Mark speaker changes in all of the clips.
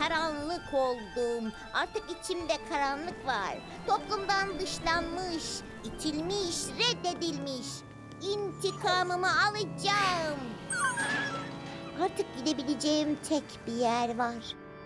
Speaker 1: karanlık oldum. Artık içimde karanlık var. Toplumdan dışlanmış, itilmiş, reddedilmiş. İntikamımı alacağım. Artık gidebileceğim tek bir yer var.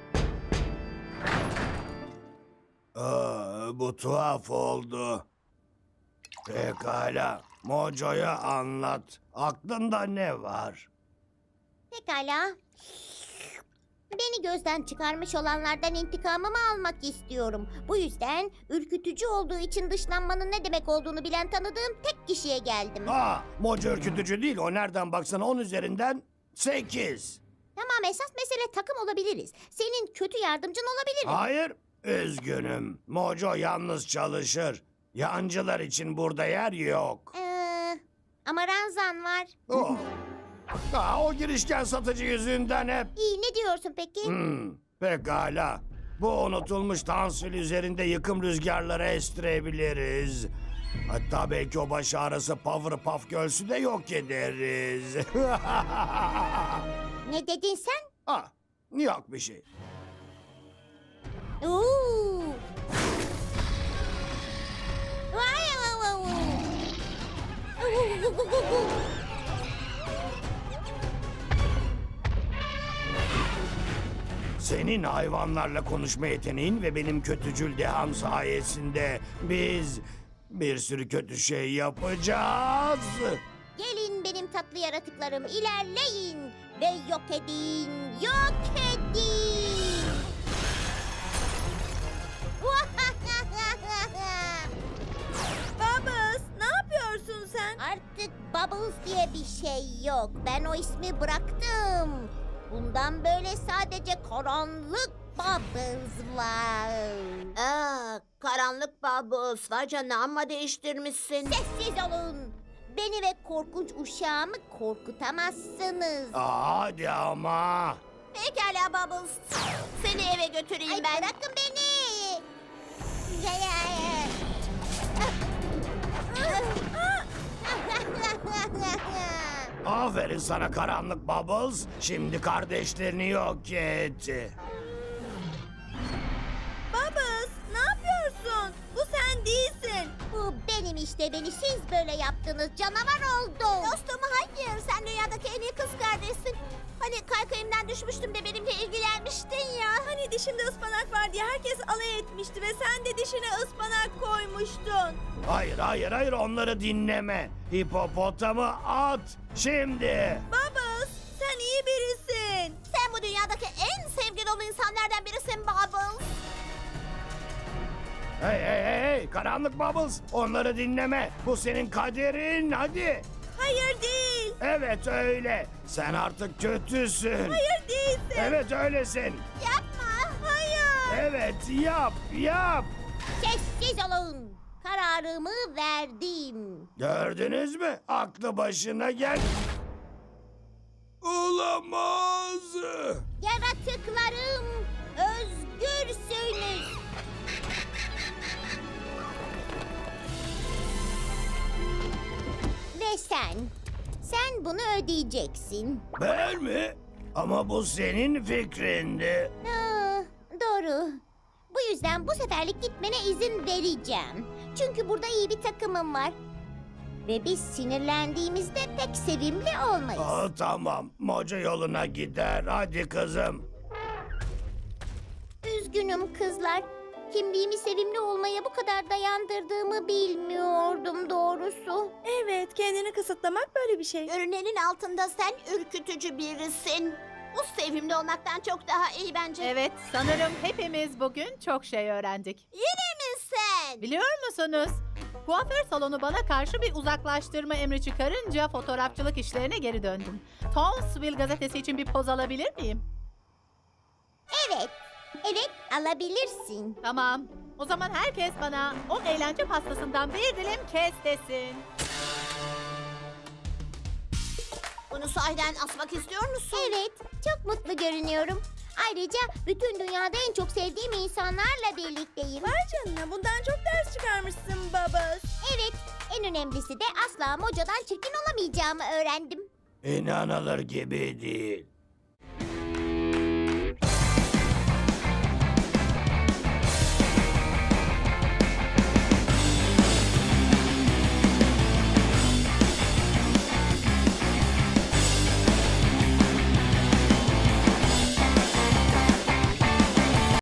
Speaker 2: Bu tuhaf oldu. Pekala, Mojo'ya anlat. Aklında ne var?
Speaker 1: Pekala. Beni gözden çıkarmış olanlardan intikamımı almak istiyorum. Bu yüzden ürkütücü olduğu için dışlanmanın ne demek olduğunu bilen tanıdığım tek kişiye geldim.
Speaker 2: Mojo ürkütücü değil. O nereden baksana 10 üzerinden 8.
Speaker 1: Tamam, esas mesele takım olabiliriz. Senin kötü yardımcın olabilirim.
Speaker 2: Hayır, üzgünüm. Mojo yalnız çalışır. Yancılar için burada yer yok.
Speaker 1: Ama Ranzan var.
Speaker 2: Oh. O girişken satıcı yüzünden hep.
Speaker 1: İyi, ne diyorsun peki?
Speaker 2: Pekala. Bu unutulmuş Tansil üzerinde yıkım rüzgarları estirebiliriz. Hatta belki o baş ağrısı Powerpuff Girls'ü de yok ederiz.
Speaker 1: Ne dedin sen?
Speaker 2: Yok bir şey.
Speaker 1: Oo. Vay vay vay vay.
Speaker 2: Senin hayvanlarla konuşma yeteneğin ve benim kötücül deham sayesinde biz bir sürü kötü şey yapacağız.
Speaker 1: Gelin benim tatlı yaratıklarım, ilerleyin ve yok edin, yok edin.
Speaker 3: Bubbles, ne yapıyorsun sen?
Speaker 1: Artık Bubbles diye bir şey yok. Ben o ismi bıraktım. Bundan böyle sadece karanlık Bubbles var.
Speaker 3: Karanlık Bubbles, vay canına, amma değiştirmişsin.
Speaker 1: Sessiz olun. Beni ve korkunç uşağımı korkutamazsınız.
Speaker 2: Hadi ama.
Speaker 3: Pekala Bubbles, seni eve götüreyim
Speaker 1: Ay,
Speaker 3: ben.
Speaker 1: bırakın beni.
Speaker 2: Aferin sana karanlık Bubbles. Şimdi kardeşlerini yok et.
Speaker 3: Bubbles, ne yapıyorsun? Bu sen değilsin.
Speaker 1: Bu benim işte, beni siz böyle yaptınız, canavar oldum.
Speaker 3: Dostum hayır, sen dünyadaki en iyi kız kardeşsin. Hani kaykayımdan düşmüştüm de benimle ilgilenmiştin ya. Hani dişimde ıspanak var diye herkes alay etmişti ve sen de dişine ıspanak koymuştun.
Speaker 2: Hayır onları dinleme. Hipopotamı at şimdi.
Speaker 3: Bubbles, sen iyi birisin. Sen bu dünyadaki en sevgi dolu insanlardan birisin Bubbles.
Speaker 2: Hey karanlık Bubbles, onları dinleme. Bu senin kaderin, hadi.
Speaker 3: Hayır değil.
Speaker 2: Evet öyle. Sen artık kötüsün.
Speaker 3: Hayır değilsin.
Speaker 2: Evet öylesin.
Speaker 3: Yapma. Hayır.
Speaker 2: Evet yap.
Speaker 1: Sessiz olun. Kararımı verdim.
Speaker 2: Gördünüz mü? Aklı başına gel. Olamaz.
Speaker 1: Yaratıklarım, özgürsünüz. Ve sen bunu ödeyeceksin.
Speaker 2: Ben mi? Ama bu senin fikrindi.
Speaker 1: Doğru. Bu yüzden bu seferlik gitmene izin vereceğim. Çünkü burada iyi bir takımım var. Ve biz sinirlendiğimizde pek sevimli olmayız.
Speaker 2: Tamam. Moca yoluna gider. Hadi kızım.
Speaker 1: Üzgünüm kızlar. Kimliğimi sevimli olmaya bu kadar dayandırdığımı bilmiyordum doğrusu.
Speaker 3: Evet, kendini kısıtlamak böyle bir şey. Görünenin altında sen ürkütücü birisin. Bu sevimli olmaktan çok daha iyi bence.
Speaker 4: Evet, sanırım hepimiz bugün çok şey öğrendik.
Speaker 3: Yine mi sen?
Speaker 4: Biliyor musunuz? Kuaför salonu bana karşı bir uzaklaştırma emri çıkarınca fotoğrafçılık işlerine geri döndüm. Townsville gazetesi için bir poz alabilir miyim?
Speaker 1: Evet alabilirsin.
Speaker 4: Tamam. O zaman herkes bana o eğlence pastasından bir dilim kes desin.
Speaker 3: Bunu sahiden asmak istiyor musun?
Speaker 1: Evet, çok mutlu görünüyorum. Ayrıca bütün dünyada en çok sevdiğim insanlarla birlikteyim.
Speaker 3: Vay canına, bundan çok ders çıkarmışsın Bubbles.
Speaker 1: Evet, en önemlisi de asla Mojo'dan çirkin olamayacağımı öğrendim.
Speaker 2: İnanılır gibi değil.